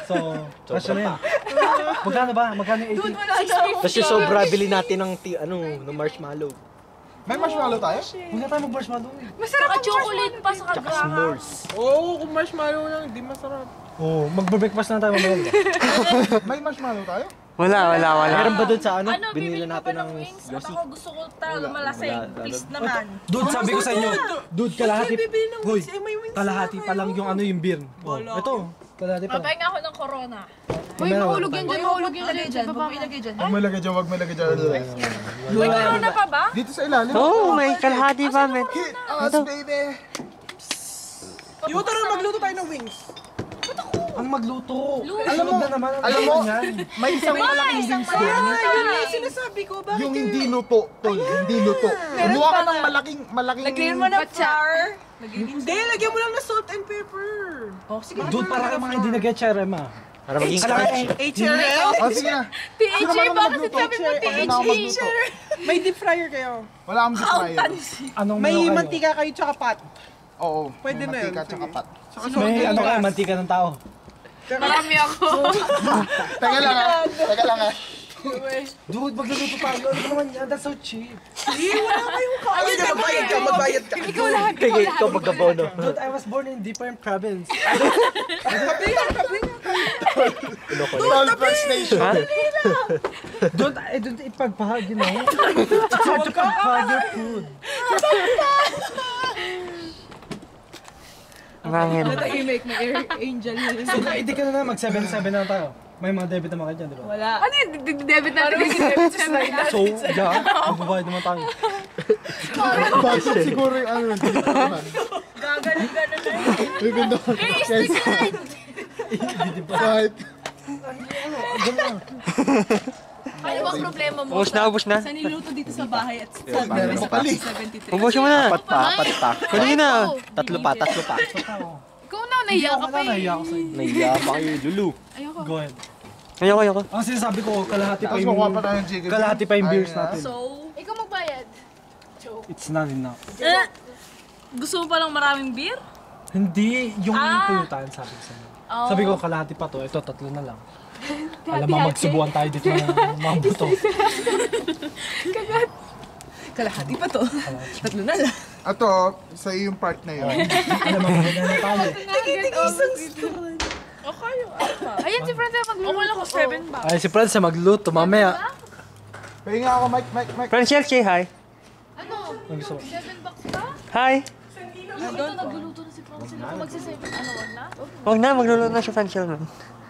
So, kasya na yan. Magkano ba? Magkano yung 80? Tapos yung sobra, bili natin ng marshmallow. May marshmallow tayo? Huwag na tayo mag-marshmallow eh. Masarap ang chocolate pa sa Tsaka kagraha. s'mores. Oo, kung marshmallow lang, di masarap. Oo, mag-breakfast na tayo mamaya. May marshmallow tayo? Wala. Meron ba doon sa Ano, binili bibili ka natin ba ng ng wings? At Yossi? ako gusto ko talaga malasing. Please naman. Dude, sabi ko sa inyo. Dude, kalahati. Hoy, kalahati pa lang yung yung beer. Oh, ito, kalahati pa lang. Mapahinga ako ng corona. Uy, mahulog Yan dyan, mahulog yung lagay dyan. Huwag mo ilagay dyan. Huwag may lagay dyan, huwag may lagay dyan. May corona pa ba? Dito sa ilalim. Oo, may kalahati pa, men. Hit us, baby! Yung tara, magluto tayo ng wings. Ang magluto. Alam mo, na naman, alam mo, yan. may isang malaking wings doon. Yun yung sinasabi ko, bakit Yung hindi luto, tol, hindi luto. Kumuha ka ng malaking... Lagyan mo ng flour. Hindi, lagyan mo lang ng salt and pepper. Dude, para kayo mga hindi nag-get HRM ah. Para maging Kalahati. HRL? Oh, sige na. PHA, bakit sabi mo Pag na ako magluto. May deep fryer kayo. Wala akong deep fryer. Anong May meron kayo? mantika kayo tsaka pat. Oo, Pwede may na yun, mantika tsaka sige. pat. May ano kayo, mantika ng tao. Marami ako. Teka lang ah. Teka lang ah. Dude, magluluto tayo. Ano naman yan? That's so cheap. Ayun ka, magbayad ka, magbayad ka. Kaya ikaw magkabono. Dude, I was born in different province. Tol, First Nation. Don't ipagpahagi mo. It's hard to pagpahag your food. Mangin. Tahimik, may angel na rin. So, hindi ka na mag-7-7 na tayo. May mga debit naman kayo dyan, di ba? Wala. Ano yung debit natin? So, yeah, magbabayad naman tayo. Bakit siguro yung ano, hindi ko naman. Gagaling-ganon na yun. Even though, yes, kahit, Ano bang problema mo? Ubus na. Sa niluto dito sa bahay at sa meron pa pala. 73. Ubus mo na. Apat pa. Kunin na. Tatlo pa. Ikaw na, nahiya ka pa eh. Nahiya ako sa'yo. Naiya pa kayo, Lulu. Go ahead. Ayoko. Ang sinasabi ko, kalahati pa tapos yung... makuha pa tayo ng chicken. Kalahati pa yung beers Ayun na. natin. So, Ikaw magbayad. It's not enough. gusto mo palang maraming beer? Hindi, yung pulutan, sabi ko sa'yo. Sabi ko, kalahati pa to. Ito, tatlo na lang. Alam mo, magsubuan tayo dito ng mga buto. Kalahati pa to. Tatlo na lang. Ato, sa yung part na yun. Alam mo, ganyan na tayo. Okay, ayun si Fred magluto. Okay lang ko 7 ba? Ay, si Fred sa magluto, mamaya. Pahinga ako, Mike. Francel, say hi. Ano? Ang gusto mo? 7 bucks ba? Hi. Ito, nagluluto na si Francine. Kung magsa-7, ano, wag na? Huwag na, magluluto na si Francel. Man.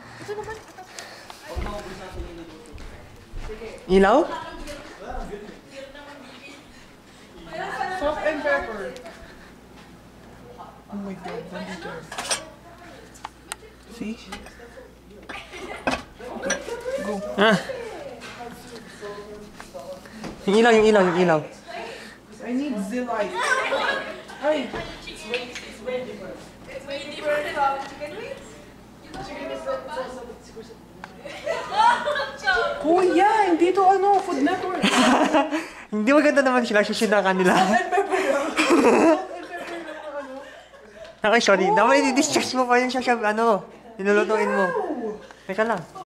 Ilaw? Salt and pepper. Oh my God, nandito. See? Ah. Yung ilaw. I need Zilite. Ay! Kuya, hindi to ano, Food Network. Hindi maganda naman sila, susinakan nila. Okay, sorry. Dapat i-distress mo pa yung nilulutuin mo. Teka lang.